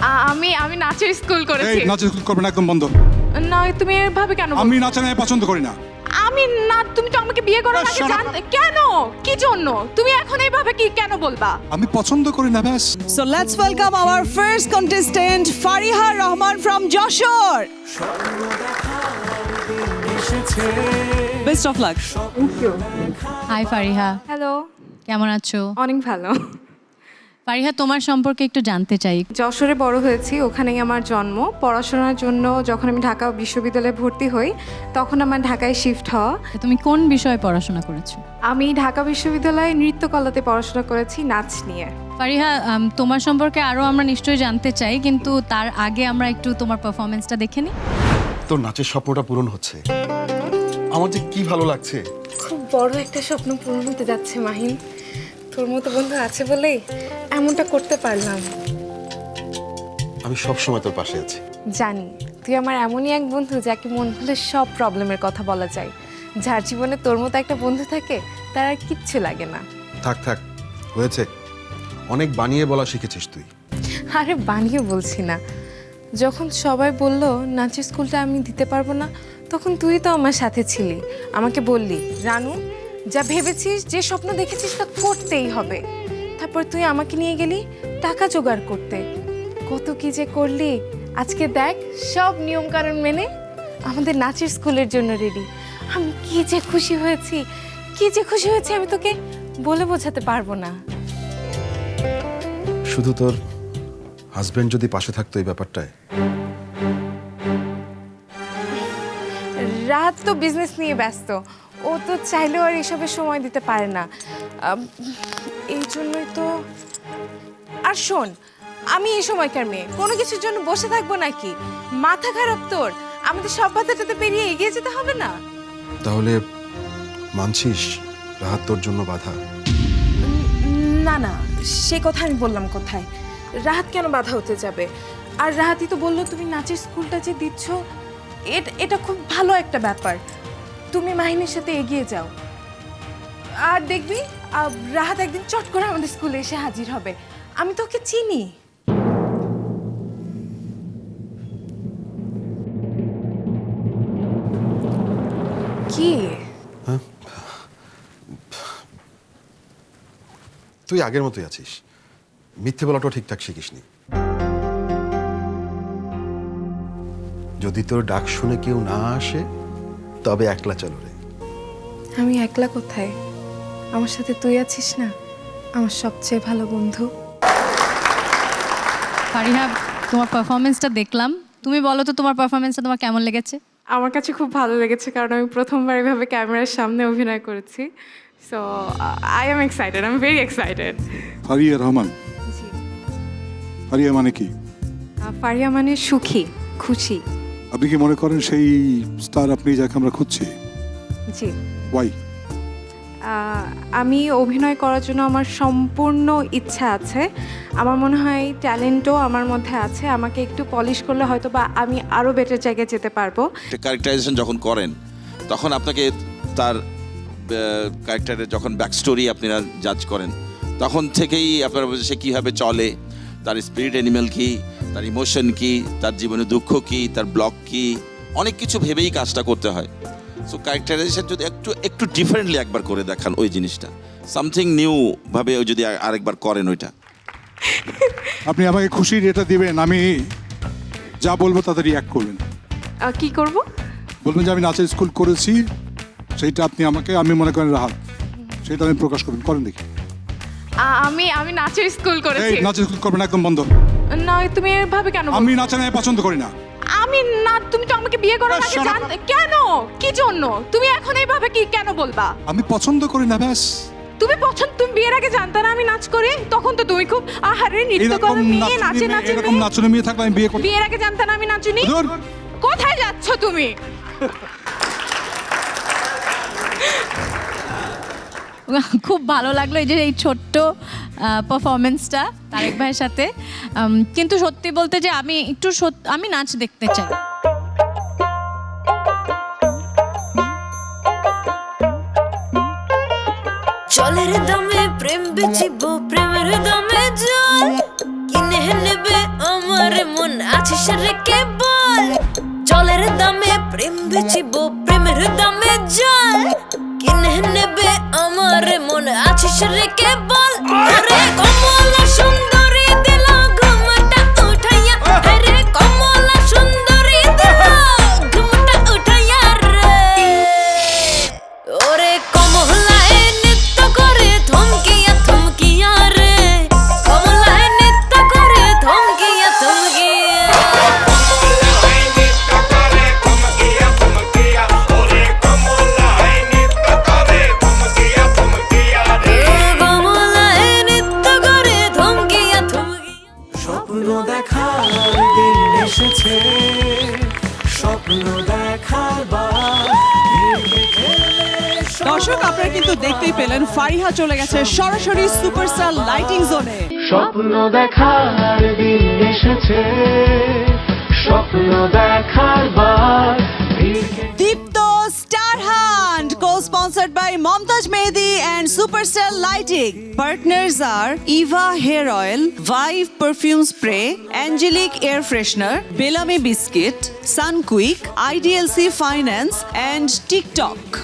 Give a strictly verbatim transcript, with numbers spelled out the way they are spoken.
আমি আমি নাচের স্কুল এই করেছি। নাচের স্কুল করবে না, একদম বন্ধ। না তুমি এভাবে কেন বলছো? আমি নাচা নাই পছন্দ করি না। আমি না, তুমি তো আমাকে বিয়ে করার না, আগে shut up. জানতে কেন? কি জন্য? তুমি এখন এইভাবে কি কেন বলবা? আমি পছন্দ করি না ব্যাস। So let's welcome our first contestant, Fariha Rahman from Joshore. Best of luck. Hi Fariha, hello, কেমন আছো? অনেক ভালো। ফারিহা, তোমার সম্পর্কে একটু জানতে চাই। যশোরে বড় হয়েছি, ওখানেই আমার জন্ম। পড়াশোনার জন্য যখন আমি ঢাকা বিশ্ববিদ্যালয়ে ভর্তি হই, তখন আমার ঢাকায় শিফট হওয়া। তুমি কোন বিষয়ে পড়াশোনা করেছো? আমি ঢাকা বিশ্ববিদ্যালয়ে নৃত্যকলাতে পড়াশোনা করেছি, নাচ নিয়ে। ফারিহা, আম, তোমার সম্পর্কে আরও আমরা নিশ্চয়ই জানতে চাই, কিন্তু তার আগে আমরা একটু তোমার পারফরমেন্সটা দেখে নিই। তোর নাচের স্বপ্নটা পূরণ হচ্ছে, আমার যে কি ভালো লাগছে। খুব বড় একটা স্বপ্ন পূরণ হতে যাচ্ছে মাহিন। তোর মতো বন্ধু আছে বলেই এমনটা করতে পারলাম। আমি সব সময় তোর পাশে আছি। জানি তুই আমার এমনই এক বন্ধু যাকে মন খুলে সব প্রবলেমের কথা বলা যায়। যার জীবনে তোর মতো একটা বন্ধু থাকে তার আর কিচ্ছু লাগে না। থাক থাক, হয়েছে, অনেক বানিয়ে বলা শিখেছিস তুই। আরে বানিয়ে বলছি না, যখন সবাই বলল নাচের স্কুলটা আমি দিতে পারবো না, তখন তুই তো আমার সাথে ছিলি। আমাকে বললি, রানু যা ভেবেছিস, যে স্বপ্ন দেখেছিস তা করতেই হবে। তারপর তুই আমাকে নিয়ে গেলি টাকা জোগাড় করতে। কত কি যে করলি, আজকে দেখ সব নিয়মকানুন মেনে আমাদের নাচের স্কুলের জন্য রেডি। আমি কি যে খুশি হয়েছি, কি যে খুশি হয়েছি, আমি তোকে বলে বোঝাতে পারবো না। শুধু তোর হাজবেন্ড যদি পাশে থাকতো এই ব্যাপারটায়। রাত তো বিজনেস নিয়ে ব্যস্ত, ও তো চাইলেও আর এসবের সময় দিতে পারে না। আম, এই জন্যই তো। আর শোন, আমি এই সময়কার মেয়ে, কোনো কিছুর জন্য বসে থাকবো নাকি? মাথা খারাপ তোর? আমাদের সব বাধাটাতে পেরিয়ে এগিয়ে যেতে হবে না? তাহলে মানছিস রাহাত তোর জন্য বাধা? না না, সে কথা আমি বললাম কোথায়? রাহাত কেন বাধা হতে যাবে? আর রাহাতই তো বললো তুমি নাচের স্কুলটা যে দিচ্ছ, এটা এটা খুব ভালো একটা ব্যাপার। তুমি মাহিনের সাথে এগিয়ে যাও, আর দেখবি আহ, রাহাত একদিন চট করে আমাদের স্কুলে এসে হাজির হবে। আমি তো ওকে চিনি। কি? তুই আগের মতোই আছিস, মিথ্যে বলাটাও ঠিকঠাক শিখিসনি। যদি তোর ডাক শুনে কেউ না আসে তবে একলা চলো রে। আমি একলা কোথায়? আমার সাথে তুই আছিস না, আমার সবচেয়ে ভালো বন্ধু। ফারিহা, তোমার পারফরমেন্সটা দেখলাম, তুমি বলো তো তোমার পারফরমেন্সটা তোমার কেমন লেগেছে? আমার কাছে খুব ভালো লেগেছে, কারণ আমি প্রথমবার এভাবে ক্যামেরার সামনে অভিনয় করেছি। So I am excited, I am very excited. Fariya Rahman, Fariya মানে কি? ফারিয়া মানে সুখী, খুশি। আপনি কি মনে করেন সেই স্টার আপনি যাকে আমরা খুঁজছি? জি। ওয়াই? আমি অভিনয় করার জন্য আমার সম্পূর্ণ ইচ্ছা আছে। আমার মনে হয় ট্যালেন্টও আমার মধ্যে আছে। আমাকে একটু পলিশ করলে হয়তো বা আমি আরও বেটার জায়গায় যেতে পারবো। ক্যারেক্টারাইজেশন যখন করেন তখন আপনাকে তার ক্যারেক্টারের যখন ব্যাক স্টোরি আপনারা জাজ করেন, তখন থেকেই আপনারা সে কীভাবে চলে, তার স্পিরিট অ্যানিমেল কী, তার ইমোশন কী, তার জীবনে দুঃখ কী, তার ব্লক কী, অনেক কিছু ভেবেই কাজটা করতে হয়। সো ক্যারেক্টারাইজেশন যদি একটু একটু ডিফারেন্টলি একবার করে দেখান ওই জিনিসটা, সামথিং নিউ ভাবে যদি আরেকবার করেন ওইটা। আপনি আমাকে খুশির এটা দিবেন, আমি যা বলবো তাতে রিয়াক্ট করবেন। কি করব? বলবেন যে আমি নাচের স্কুল করেছি, সেইটা আপনি আমাকে, আমি মনে করেন রাহাত, সেটা আমি প্রকাশ করবেন। করেন দেখি। আমি আমি নাচের স্কুল এই করেছি। নাচের স্কুল করবেন না, একদম বন্ধ। না তুমি এভাবে কেন বলছো? আমি নাচা নাই পছন্দ করি না। আমি না, তুমি তো আমাকে বিয়ে করার না, আগে shut up. জানতে কেন? কি জন্য? তুমি এখন এইভাবে কি কেন বলবা? আমি পছন্দ করি না ব্যাস। তুমি পছন্দ, তুমি বিয়ের আগে জানতে না আমি নাচ করি? তখন তো তুমি খুব আহারে নৃত্য এরকম করো, মেয়ে নাচে নাচুনি নাচে মেয়ে- এরকম নাচুনি মেয়ে থাকলে আমি বিয়ে করব। বিয়ের আগে জানতে না আমি নাচুনি? ধুর। কোথায় যাচ্ছ তুমি? খুব ভালো লাগলো এই যে এই ছোট্ট পারফরমেন্সটা তারেক ভাইয়ের সাথে। উম, কিন্তু সত্যি বলতে যে আমি একটু সত- আমি নাচ দেখতে চাই। জলের দামে প্রেম বেচিব, প্রেমের দামে জল কিনে নেবে আমার আছিস রে কেবল জলের দামে প্রেম বেচিব প্রেমের দামে জল কিনে নেবে আমার মন আছিস রে কেবল ওরে কমলা সুন্দরী দিল ঘুমটা উঠাইয়া রে কমলা সুন্দরী দিল ঘুমটা উঠাইয়া রে ওরে কমলায় নৃত্য করে থমকিয়া থমকিয়া রে কমলায় নৃত্য করে থমকিয়া থমকিয়া কমলায় নৃত্য করে থমকিয়া থমকিয়া স্বপ্ন দেখার দিন এসেছে স্বপ্ন দেখার বার দর্শক আপনারা কিন্তু দেখতেই পেলেন ফারিহা চলে গেছে সরাসরি সুপারস্টার লাইটিং জোনে। স্বপ্ন দেখার দিন এসেছে স্বপ্ন দেখার বার Deepto star hunt co-sponsored by Momtaj Mehdi and Superstar Lighting. Partners are Eva Hair Oil, Vive Perfume Spray, Angelic Air Freshener, Bellamy Biscuit, Sunquick, I D L C Finance and TikTok.